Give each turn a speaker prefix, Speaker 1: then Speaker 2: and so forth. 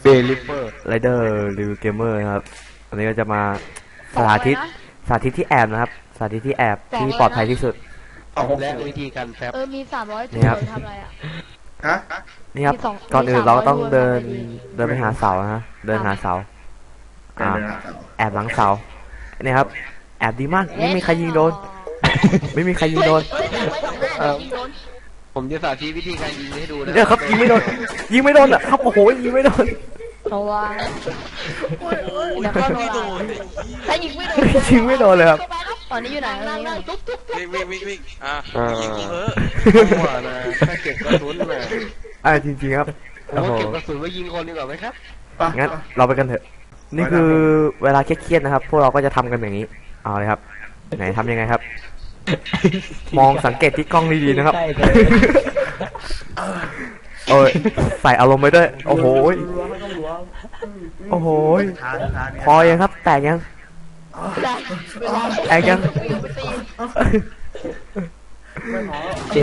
Speaker 1: ลิเปอร์
Speaker 2: ไรเดอร์รีวิวเกมเมอร์นะครับอันนี้ก็จะมาสาธิตที่แอบนะครับสาธิตที่แอบที่ปลอดภัยที่สุด
Speaker 1: และวิธีการแฟบ
Speaker 3: มี300จุดทำอะไรอ่ะ
Speaker 1: ฮะ
Speaker 2: นี่ครับก่อนอื่นเราต้องเดินไปหาเสานะเดินหาเสาแอบหลังเสาเนี่ยครับแอบดีมากไม่มีใครยิงโดนไม่มีใครยิงโดน
Speaker 1: ผมจะสาธิตวิธีการยิงให้ดูนะ
Speaker 2: เนี่ยครับยิงไม่โดนอ่ะครับโอ้โหยิงไม่โดน
Speaker 3: ระวังเดี๋ยวเข้าโดนถ้ายิงไม่โดน
Speaker 2: ยิงไม่โดนเลยครับ
Speaker 3: ตอนนี้อยู่ไหน
Speaker 4: วิ่งยิงกูเถอะ
Speaker 1: หัวนะแค่เก็บกระสุนเลย
Speaker 2: จริงๆครับ
Speaker 1: ผมว่าเก็บกระสุนไว้ยิงคนดีกว่าไหมครับ
Speaker 2: งั้นเราไปกันเถอะนี่คือเวลาเครียดๆนะครับพวกเราก็จะทำกันอย่างนี้เอาเลยครับไหนทำยังไงครับมองสังเกตที่กล้องดีๆนะครับโอ้ยใส่อารมณ์ไปด้วยโอ้โหพอยังครับแตกยังแตกยัง